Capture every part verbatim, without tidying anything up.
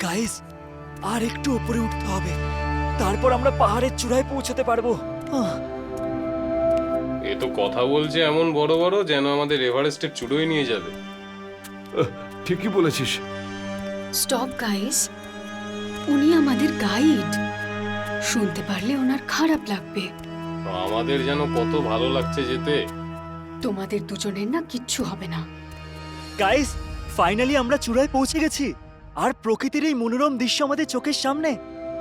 Guys, আর একটু উপরে উঠতে হবে, তারপর আমরা পাহাড়ের চূড়ায় পৌঁছতে পারবো। আহ, এ তো কথা বলছে এমন বড় বড় যেন আমাদের এভারেস্টের চূড়োয় নিয়ে যাবে। আহ, ঠিকই বলেছিস। স্টপ গাইস, উনি আমাদের গাইড। শুনতে পারলে ওনার খারাপ লাগবে। আমাদের যেন কত ভালো লাগছে যেতে। তোমাদের দুজনের না কিচ্ছু হবে না। গাইস, ফাইনালি আমরা চূড়ায় পৌঁছে গেছি, আর প্রকৃতির এই মনোরম দৃশ্য আমাদের চোখের সামনে।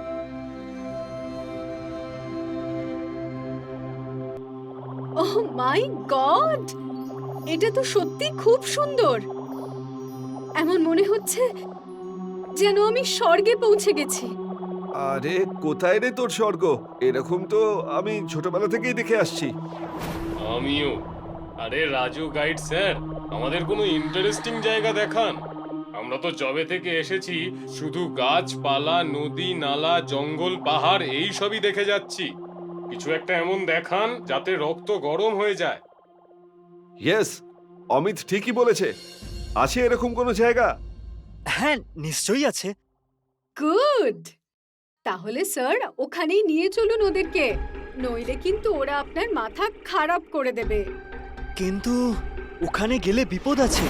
ওহ মাই গড, এটা তো সত্যি খুব সুন্দর। এমন মনে হচ্ছে যেন আমি স্বর্গে পৌঁছে গেছি। আরে কোথায় রে তোর স্বর্গ? এরকম তো আমি ছোটবেলা থেকেই দেখে আসছি। আমিও। আরে রাজু গাইড স্যার, আমাদের কোনো ইন্টারেস্টিং জায়গা দেখান। আমরা তো জবে থেকে এসেছি শুধু গাছপালা, নদী, নালা, জঙ্গল, পাহাড় এই সবই দেখে যাচ্ছি। কিছু একটা এমন দেখান যাতে রক্ত গরম হয়ে যায়। ইয়েস, অমিত ঠিকই বলেছে। আছে এরকম কোনো জায়গা? হ্যাঁ, নিশ্চয়ই আছে। গুড, তাহলে স্যার ওখানেই নিয়ে চলুন ওদেরকে, নইলে কিন্তু ওরা আপনার মাথা খারাপ করে দেবে। কিন্তু ওখানে গেলে বিপদ আছে।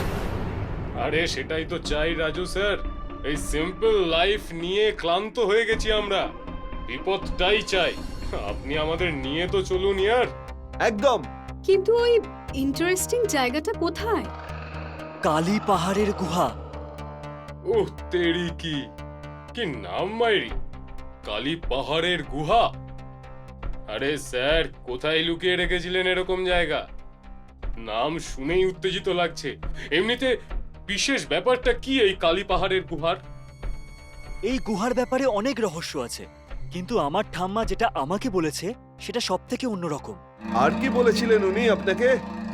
আরে সেটাই তো চাই রাজু স্যার। এই সিম্পল লাইফ নিয়ে ক্লান্ত হয়ে গেছি আমরা, বিপদটাই চাই। আপনি আমাদের নিয়ে তো চলুন ইয়ার। একদম। কিন্তু ওই ইন্টারেস্টিং জায়গাটা কোথায়? কালী পাহাড়ের গুহা। ওহ তেরি কি কি নাম মাইরি, কালী পাহাড়ের গুহা। আরে স্যার, কোথায় লুকিয়ে রেখেছিলেন এরকম জায়গা? নাম শুনেই উত্তেজিত লাগছে। এমনিতে বিশেষ ব্যাপারটা কি এই কালী পাহাড়ের গুহার? এই গুহার ব্যাপারে অনেক রহস্য আছে, কিন্তু আমার ঠাম্মা যেটা আমাকে বলেছে সেটা সব থেকে অন্যরকম। আর কি বলেছিলেন উনি আপনাকে?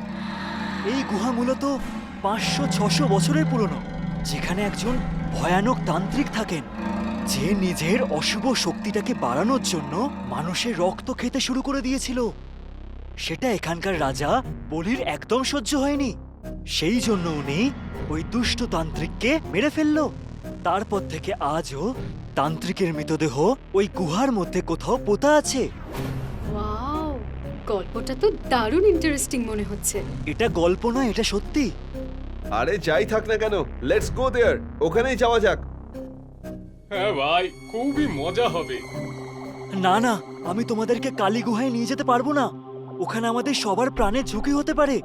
এই গুহা মূলত পাঁচশো ছশো বছরের পুরনো, যেখানে একজন ভয়ানক তান্ত্রিক থাকেন, যে নিজের অশুভ শক্তিটাকে বাড়ানোর জন্য মানুষের রক্ত খেতে শুরু করে দিয়েছিল। সেটা এখানকার রাজা বলির একদম সহ্য হয়নি, সেই জন্য উনি ওই দুষ্ট তান্ত্রিককে মেরে ফেলল। তারপর থেকে আজও তান্ত্রিকের মৃতদেহ ওই গুহার মধ্যে কোথাও পোতা আছে। ওয়াও, গল্পটা তো দারুণ ইন্টারেস্টিং মনে হচ্ছে। এটা গল্প নয়, এটা সত্যি। আরে যাই থাক না কেন, লেটস গো দেয়ার। ওখানেই যাওয়া যাক। হ্যাঁ ভাই, খুবই মজা হবে। না না, আমি তোমাদেরকে কালী গুহায় নিয়ে যেতে পারবো না। ওখানে আমাদের সবার প্রাণের ঝুঁকি হতে পারে।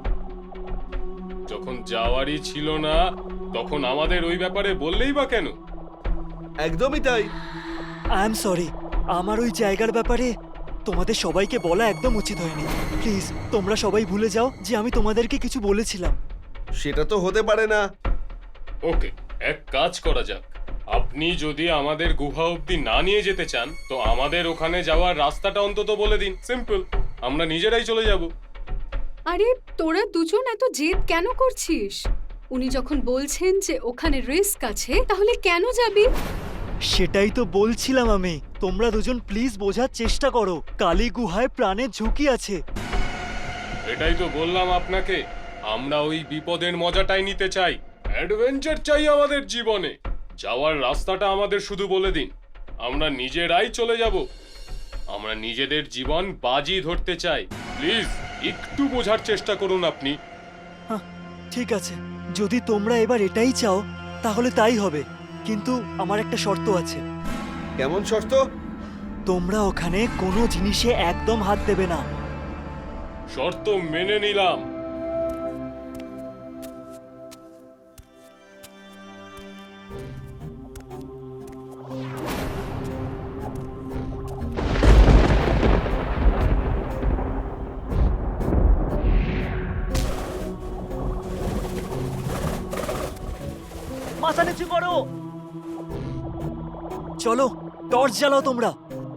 যখন যাওয়ারই ছিল না তখন আমাদের ওই ব্যাপারে বললেই বা কেন? একদমই তাই। আই এম সরি, আমার ওই জায়গার ব্যাপারে তোমাদের সবাইকে বলা একদম উচিত হয়নি। প্লিজ তোমরা সবাই ভুলে যাও যে আমি তোমাদেরকে কিছু বলেছিলাম। সেটা তো হতে পারে না। ওকে, এক কাজ করা যাক। আপনি যদি আমাদের গুহা অবধি না নিয়ে যেতে চান তো আমাদের ওখানে যাওয়ার রাস্তাটা অন্তত বলে দিন। সিম্পল, আমরা নিজেরাই চলে যাব। আরে তোরা দুজন এত জেদ কেন করছিস? উনি যখন বলছেন যে ওখানে রিস্ক আছে, তাহলে কেন যাবি? সেটাই তো বলছিলাম আমি। তোমরা দুজন প্লিজ বোঝার চেষ্টা করো, কালী গুহায় প্রাণের ঝুঁকি আছে। এটাই তো বললাম আপনাকে, আমরা ওই বিপদের মজাটাই নিতে চাই। অ্যাডভেঞ্চার চাই আমাদের জীবনে। যাওয়ার রাস্তাটা আমাদের শুধু বলে দিন, আমরা নিজেরাই চলে যাব। আমরা নিজেদের জীবন বাজি ধরতে চাই। প্লিজ একটু বোঝার চেষ্টা করুন আপনি। হ্যাঁ, ঠিক আছে, যদি তোমরা এবার এটাই চাও তাহলে তাই হবে, কিন্তু আমার একটা শর্ত আছে। কেমন শর্ত? তোমরা ওখানে কোনো জিনিসে একদম হাত দেবে না। শর্ত মেনে নিলাম। মাথা নিচু করো। চলো, টর্চ জ্বালাও তোমরা।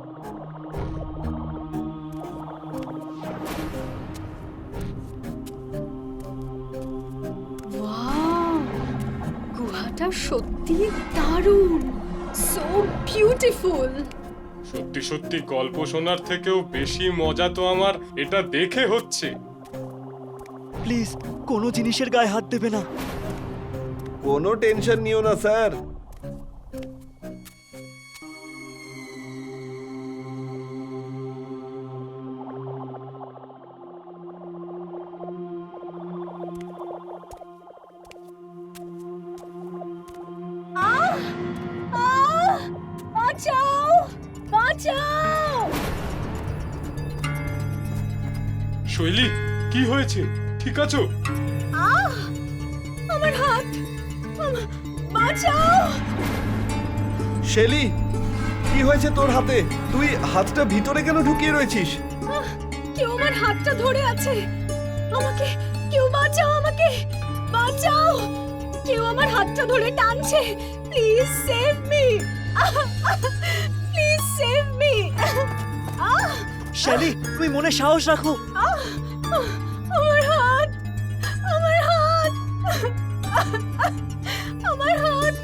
ওয়াও, গুহাটা সত্যি দারুণ, সো বিউটিফুল। সত্যি সত্যি গল্প শোনার থেকেও বেশি মজা তো আমার এটা দেখে হচ্ছে। প্লিজ কোনো জিনিসের গায়ে হাত দেবে না। কোনো টেনশন নিও না স্যার। শৈলী, কি হয়েছে? ঠিক আছো? আহ! আমার হাত! আম- বাঁচাও! শেলি, কি হয়েছে তোর হাতে? তুই হাতটা ভিতরে কেন ঢুকিয়ে রয়েছিস? আহ! কেউ আমার হাতটা ধরে আছে। আমাকে কেউ বাঁচাও, আমাকে বাঁচাও! কেউ আমার হাতটা ধরে টানছে। Please save me! Please save me! Shelly, তুমি মনে সাহস রাখো। আমার হাত! আমার হাত! আমার হাত!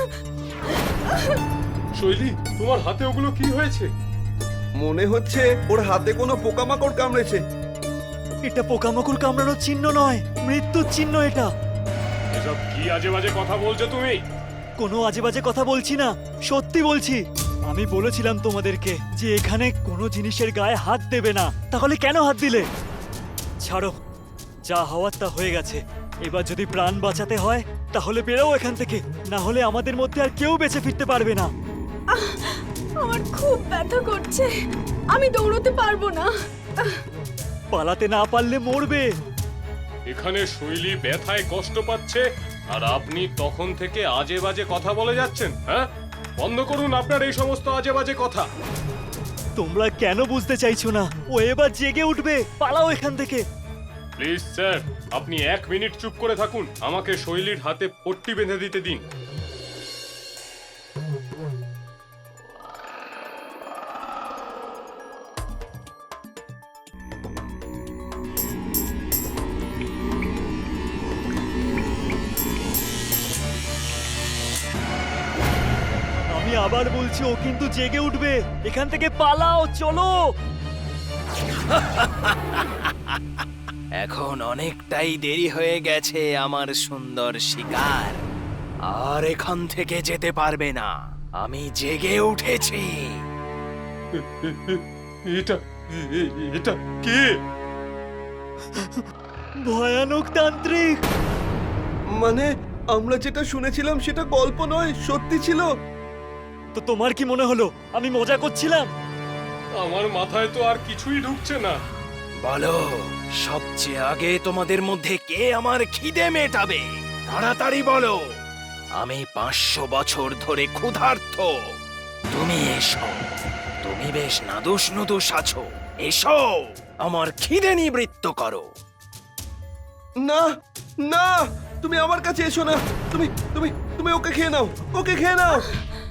শৈলী, তোমার হাতে ওগুলো কি হয়েছে? মনে হচ্ছে ওর হাতে কোনো পোকামাকড় কামড়েছে। এটা পোকামাকড় কামড়ানোর চিহ্ন নয়, মৃত্যুর চিহ্ন এটা। এসব কি আজে বাজে কথা বলছো তুমি? কোনো আজে বাজে কথা বলছি না, সত্যি বলছি। আমি বলেছিলাম তোমাদেরকে যে এখানে কোনো জিনিসের গায়ে হাত দেবে না, তাহলে কেন হাত দিলে? ছাড়ো, যা হওয়ার তা হয়ে গেছে। এবার যদি প্রাণ বাঁচাতে হয় তাহলে বেরোও এখান থেকে, না হলে আমাদের মধ্যে আর কেউ বেঁচে ফিরতে পারবে না। আমার খুব ব্যথা করছে, আমি দৌড়তে পারবো না। পালাতে না পারলে মরবে। এখানে শৈলী ব্যথায় কষ্ট পাচ্ছে আর আপনি তখন থেকে আজে বাজে কথা বলে যাচ্ছেন। হ্যাঁ, বন্ধ করুন আপনার এই সমস্ত আজে বাজে কথা। তোমরা কেন বুঝতে চাইছো না? ও এবার জেগে উঠবে, পালাও এখান থেকে। প্লিজ স্যার, আপনি এক মিনিট চুপ করে থাকুন। আমাকে শৈলীর হাতে পট্টি বেঁধে দিতে দিন। আমি আবার বলছি, ও কিন্তু জেগে উঠবে। এখান থেকে পালাও, চলো। এখন অনেকটাই দেরি হয়ে গেছে আমার সুন্দর শিকার। আর এখান থেকে যেতে পারবে না, আমি জেগে উঠেছি। এটা এ- এটা কে? ভয়ানক তান্ত্রিক। মানে আমরা যেটা শুনেছিলাম সেটা গল্প নয়, সত্যি ছিল। তো তোমার কি মনে হলো আমি মজা করছিলাম? আমার মাথায় তো আর কিছুই ঢুকছে না। বলো, সবচেয়ে আগে তোমাদের মধ্যে কে আমার খিদে মেটাবে? তাড়াতাড়ি বলো। আমি পাঁচশো বছর ধরে ক্ষুধার্ত। তুমি এসো, তুমি বেশ নাদুস নুদুস আছো। এসো, আমার খিদে নিবৃত্ত করো। না না, তুমি আমার কাছে এসো না। তুমি তুমি তুমি ওকে খেয়ে নাও, ওকে খেয়ে নাও।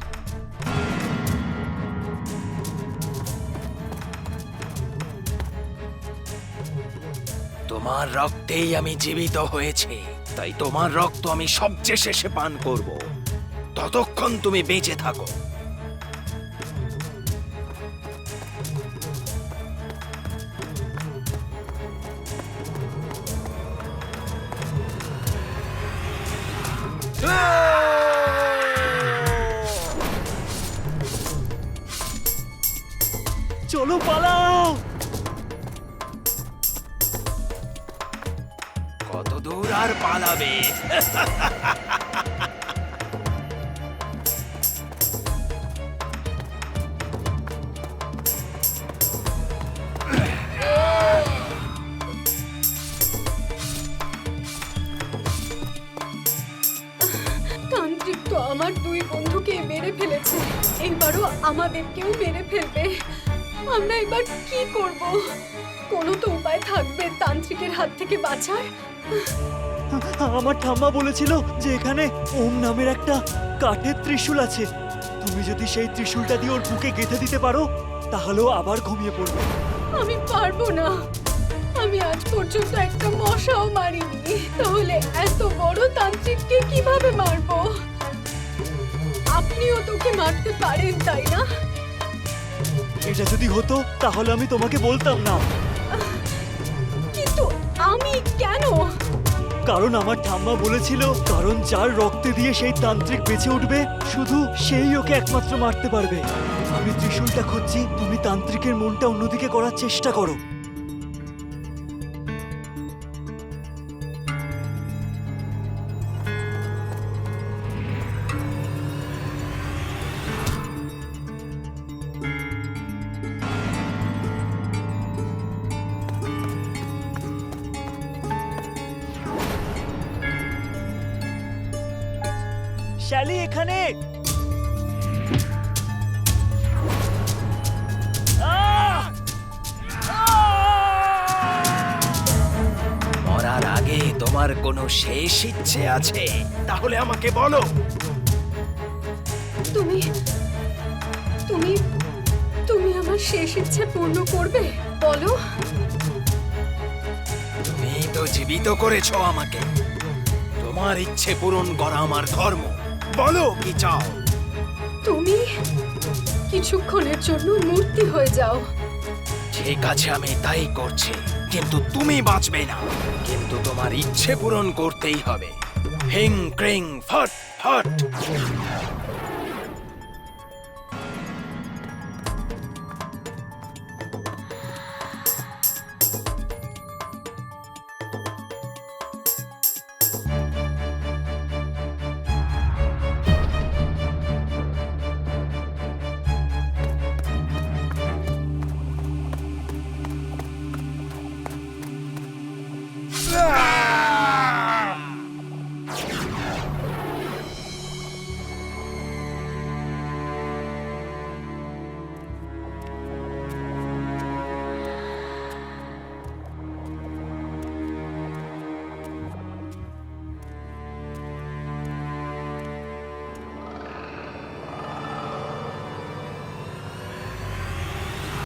তোমার রক্তেই আমি জীবিত হয়েছি, তাই তোমার রক্ত আমি সবচেয়ে শেষে পান করব। ততক্ষণ তুমি বেঁচে থাকো। চলো পালাও। কত দূর আর পালাবে? তান্ত্রিক তো আমার দুই বন্ধুকে মেরে ফেলেছে, এবারও আমাদেরকেও মেরে ফেলবে। আমরা এবার কি করব? কোনো তো উপায় থাকবে তান্ত্রিকের হাত থেকে বাঁচার। আমার ঠাম্মা বলেছিল যে এখানে ওম নামের একটা কাঠের ত্রিশূল আছে। তুমি যদি সেই ত্রিশূলটা দিয়ে ওর বুকে গেঁথে দিতে পারো তাহলেও আবার ঘুমিয়ে পড়বে। আমি পারবো না, আমি আজ পর্যন্ত একটা মশাও মারিনি, তাহলে এত বড় তান্ত্রিককে কিভাবে মারবো? আপনিও তোকে মারতে পারেন, তাই না? এটা যদি হতো তাহলে আমি তোমাকে বলতাম না। কিন্তু আমি কেন? কারণ আমার ঠাম্মা বলেছিল, কারণ যার রক্তে দিয়ে সেই তান্ত্রিক বেঁচে উঠবে শুধু সেই ওকে একমাত্র মারতে পারবে। আমি ত্রিশূলটা খুঁজছি, তুমি তান্ত্রিকের মনটা অন্যদিকে করার চেষ্টা করো। শ্যালি এখানে। আহ! মরার আগে তোমার কোনো শেষ ইচ্ছে আছে? তাহলে আমাকে বলো। তুমি তুমি তুমি আমার শেষ ইচ্ছে পূর্ণ করবে, বলো। তুমি তো জীবিত করেছো আমাকে। তোমার ইচ্ছে পূরণ করা আমার ধর্ম। বলো কি চাও? তুমি কিছুক্ষণের জন্য মূর্তি হয়ে যাও। ঠিক আছে, আমি তাই করছি, কিন্তু তুমি বাঁচবে না। কিন্তু তোমার ইচ্ছে পূরণ করতেই হবে। হিং ক্রিং ফট ফট।